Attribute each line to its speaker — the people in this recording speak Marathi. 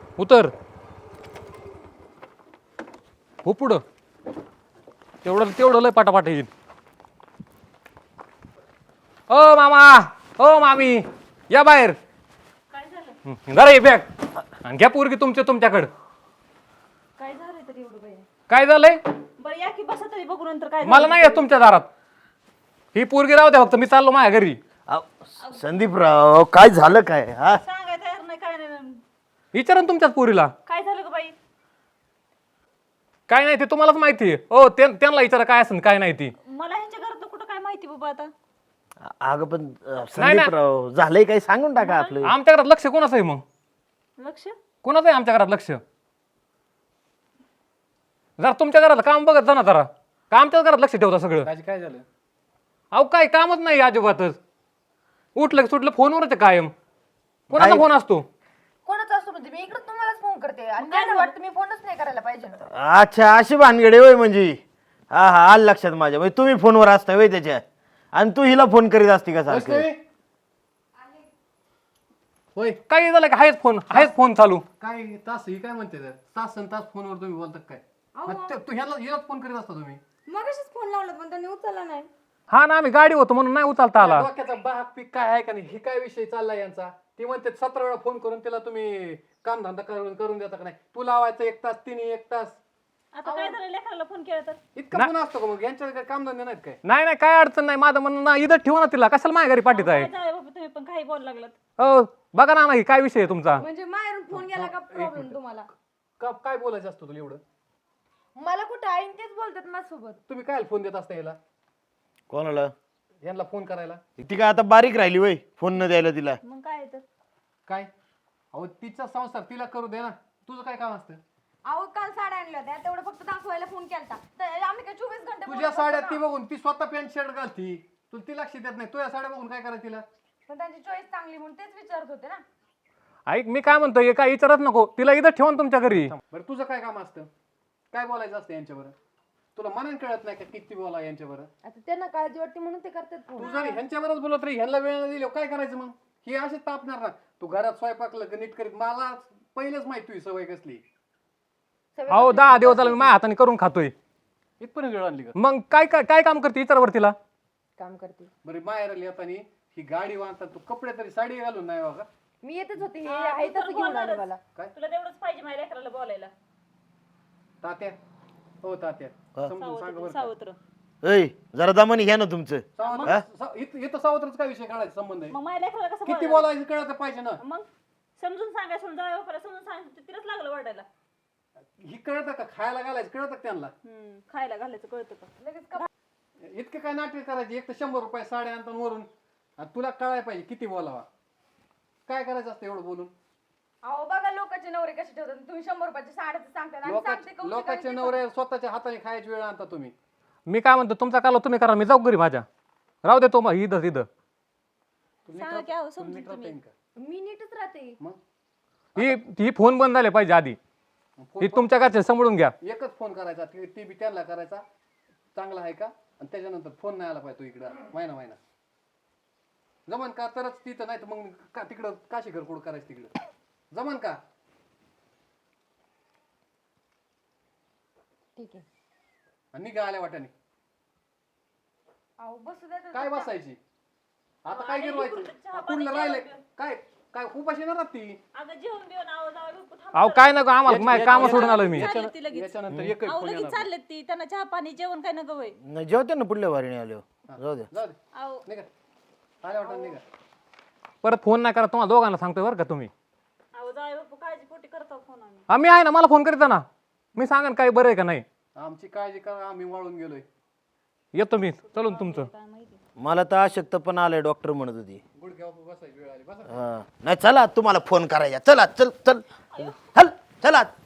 Speaker 1: उतर. हो पुढं. तेवढं तेवढं लय पाटापाट येईल. ओ मामा, ओ मामी, या बाहेर.
Speaker 2: काय झालं?
Speaker 1: जरा ये बॅग आणि घ्या पोरगी तुमच्याकडं.
Speaker 2: काय झालंय तरी एवढं बाई?
Speaker 1: काय झालंय?
Speaker 2: बरं या की बसा तरी बघू नंतर काय
Speaker 1: मला नाही येत तुमच्या दारात. ही पोरगी राहू द्या फक्त, मी चाललो माझ्या घरी.
Speaker 3: संदीपराव काय झालं काय हा?
Speaker 2: सांगाय तयार नाही काय नाही.
Speaker 1: विचारा ना तुमच्याच पोरीला.
Speaker 2: काय झालं ग बाई?
Speaker 1: काय नाही ते तुम्हालाच माहिती आहे. हो त्यांना विचारा काय असेल काय नाही ती.
Speaker 2: मला ह्यांच्या घरात कुठं काय माहिती बाबा आता.
Speaker 3: अगं पण संदीपराव झालंय काय सांगून टाका आपलं.
Speaker 1: आमच्या घरात लक्ष कोणाचं आहे मग?
Speaker 2: लक्ष
Speaker 1: कोणाचं आहे आमच्या घरात लक्ष? जरा तुमच्या घरात काम बघत जा ना जरा. का आमच्याच घरात लक्ष ठेवता सगळं?
Speaker 4: काय झालं?
Speaker 1: अहो काय कामच नाही अजिबातच. उठलं सुटलं फोनवरच कायम. कोणाचा फोन असतो?
Speaker 5: कोणाचा असतो म्हणजे मी इकडे तुम्हालाच फोन करते आणि त्यांना वाटतं मी फोनच नाही करायला पाहिजे.
Speaker 3: अच्छा अशी भानगडे होय म्हणजे. हा हा आलं लक्षात माझ्या. म्हणजे तुम्ही फोनवर असता होय त्याच्या आणि तू हिला फोन करीत असती का सारखं?
Speaker 4: होय
Speaker 1: काय झालं का? आहेच फोन चालू.
Speaker 4: काय तास ही काय म्हणते तर? तास फोनवर तुम्ही बोलतात काय? मग तू ह्यालाच फोन करीत असता तुम्ही?
Speaker 5: मगाशीच फोन लावला पण त्यांनी उचलला नाही.
Speaker 1: हा ना आम्ही गाडी होतो म्हणून नाही उचलता आला.
Speaker 4: डोक्याचा बाग पीक काय आहे का नाही? ही काय विषय चाललाय यांचा? ती म्हणते 17 वेळा फोन करून तिला तुम्ही काम धंदा करून देता का नाही? तू लावायचं 1 तास, तिने 1 तास.
Speaker 2: आता काय झालं लेकराला फोन केला तर?
Speaker 4: इतका फोन असतो का मग? यांच्या काय काम धंदे नाहीत काय?
Speaker 1: नाही काय अडचण नाही. माझं म्हणणं ना इथं ठेवा ना तिला. कशाला माझ्या घरी पाठीत आहे?
Speaker 2: काय झालं बाबा तुम्ही पण काही बोल लागलात?
Speaker 1: हो बघा ना नाही काय विषय आहे तुमचा?
Speaker 5: म्हणजे माहेरून फोन गेला का प्रॉब्लेम तुम्हाला?
Speaker 4: काय बोलायचं असतं तुला एवढं?
Speaker 5: मला कुठं आईन तेच बोलतात माझ्यासोबत.
Speaker 4: तुम्ही काय फोन देत असता याला?
Speaker 3: कोणाला?
Speaker 4: यांना फोन करायला?
Speaker 3: ती काय आता बारीक राहिली वय फोन न द्यायला तिला?
Speaker 2: मग काय तर
Speaker 4: काय? अहो तिचा संसार तिला करू दे ना. तुझं काय काम असतं?
Speaker 5: अहो काल साड्या आणल्या होत्या तेवढं फक्त दाखवायला फोन केलता. तर आम्ही काय 24 घंटे
Speaker 4: तुझ्या
Speaker 5: बोलत
Speaker 4: साड्या
Speaker 5: बसतो
Speaker 4: ती
Speaker 5: ना.
Speaker 4: बघून ती स्वतः पॅन्ट शर्ट घालती. तुला ती लक्ष देत नाही. तुझ्या साड्या बघून काय करायचं तिला?
Speaker 5: पण त्यांची चॉईस चांगली म्हणून तेच विचारत होते ना.
Speaker 1: ऐक मी काय म्हणतोय काय विचारत नको. तिला इथं ठेवा ना तुमच्या घरी.
Speaker 4: बरं तुझं काय काम असतं? काय बोलायचं असतं यांच्यावर? तुला मनाने कळत नाही का किती बोला यांच्यावर?
Speaker 5: आता त्यांना काळजी वाटते म्हणून ते करतात
Speaker 4: तू
Speaker 5: फोन.
Speaker 4: जरी ह्यांच्यावरच बोलत रे, ह्यांना वेळ दिली काय करायचं मग? हे असे तापणार ना. तू घरात स्वयंपाकलं नीट करीत. मला पहिलेच माहिती तुझी सवय कसली.
Speaker 1: अहो 10 दिवस झाला मी माझ्या हाताने करून खातोय.
Speaker 4: इथपर्यंत वेळ आणली का?
Speaker 1: मग काय काम करते विचारावर तिला.
Speaker 5: काम करते.
Speaker 4: बरं बाहेर आली येतानी ही गाडी वाहतात. तू कपडे तरी साडी घालून नाही बघा.
Speaker 5: मी येतच होते हे आहे तसं घेऊन आले मला.
Speaker 2: तुला तेवढंच पाहिजे माझ्या लेकराला बोलायला.
Speaker 4: तात्या हो तात्या समजून सांग बरं का.
Speaker 2: सावत्र.
Speaker 3: ऐ जरा दमानी घ्या ना तुमचं.
Speaker 4: इथं सावत्रच काय विषय काढायचा संबंध आहे?
Speaker 2: मग माझ्या लेकराला कसं
Speaker 4: किती
Speaker 2: बोलायला?
Speaker 4: बोलायचं कळत पाहिजे ना.
Speaker 2: मग समजून सांगायचं समजून सांगायचं तिलाच लागलं वाटायला.
Speaker 4: ही कळतं का? खायला घालायचं कळतं का त्यांना?
Speaker 2: खायला घालायचं कळतं का?
Speaker 5: लगेच का
Speaker 4: इतके काय नाटक करायचे? एक तर 100 रुपये साड्या आणतात वरून. आणि तुला कळायला पाहिजे किती बोलावा. काय करायचं असतं एवढं बोलून?
Speaker 5: अहो बघा लोकांचे नवरे कसे ठेवतात. तुम्ही 100 रुपयाची साड्याचं सांगतात आणि सांगते कौतुक
Speaker 4: लोकांचे
Speaker 5: आणि
Speaker 4: नवरे स्वतःच्या हाताने खायची वेळ आणता तुम्ही.
Speaker 1: मी काय म्हणतो तुमचा काल तुम्ही करा. मी जाऊ घरी माझ्या. राहू दे तो इथं इथं.
Speaker 2: सांगा की अहो समजून
Speaker 4: नीट राहता
Speaker 2: तुम्ही.
Speaker 4: येईल का?
Speaker 5: मी नीटच राहते.
Speaker 4: मग
Speaker 1: ही फोन बंद झाले पाहिजे आधी. ही तुमच्या घरचे सांभाळून घ्या.
Speaker 4: एकच फोन करायचा. ती बी त्यांना करायचा. चांगला आहे का? आणि त्याच्यानंतर फोन नाही आला पाहिजे तू इकडं महिना जमन का? तरच तिथं नाही तर मग का तिकडं काशी घरकुड करायचं तिकडं जमन का?
Speaker 5: ठीक आहे.
Speaker 4: आणि निघा आल्या वाट्याने.
Speaker 5: अहो बसू द्या तर.
Speaker 4: काय बसायची? आता काय
Speaker 2: आणि
Speaker 4: गिरवायचं?
Speaker 2: इकडचं चहा
Speaker 4: कुठलं
Speaker 2: पाणी
Speaker 4: राहिलंय?
Speaker 2: जेवण.
Speaker 4: काय काय उपाशी ना ती?
Speaker 2: अगं जेवण बिवण आवाज
Speaker 1: अहो काय नको आम्हाला माझ्या काम सोडून आलो मी.
Speaker 2: चालले ती लगेच.
Speaker 4: याच्यानंतर एकही फोन
Speaker 2: लगेच
Speaker 4: येणार
Speaker 2: चाललेत ती. त्यांना चहा पाणी जेवण काय नका वय.
Speaker 3: नाही जेवते ना पुढल्या वारीने आलो. जाऊ द्या.
Speaker 4: जाऊ दे
Speaker 2: अहो
Speaker 4: निघा आल्या वाट्याने निघा.
Speaker 1: परत फोन नाही करा तुम्हाला दोघांना सांगतोय बरं का तुम्ही.
Speaker 2: अहो जाय बापू काळजी पोटी करतो फोन आम्ही.
Speaker 1: आम्ही आहे ना मला फोन करीता ना. मी सांगा काय बरं आहे का नाही.
Speaker 4: आमची काळजी करा. आम्ही वाळून गेलोय.
Speaker 1: येतो मी चलून तुमचं.
Speaker 2: काय माहिती.
Speaker 3: मला तर अशक्त पण आलंय डॉक्टर म्हणत होती.
Speaker 4: गुडघ्यावर बसायची वेळ आली. बसा.
Speaker 3: हा नाही चला तुम्हाला फोन करायचा. चला चल चल चल चला.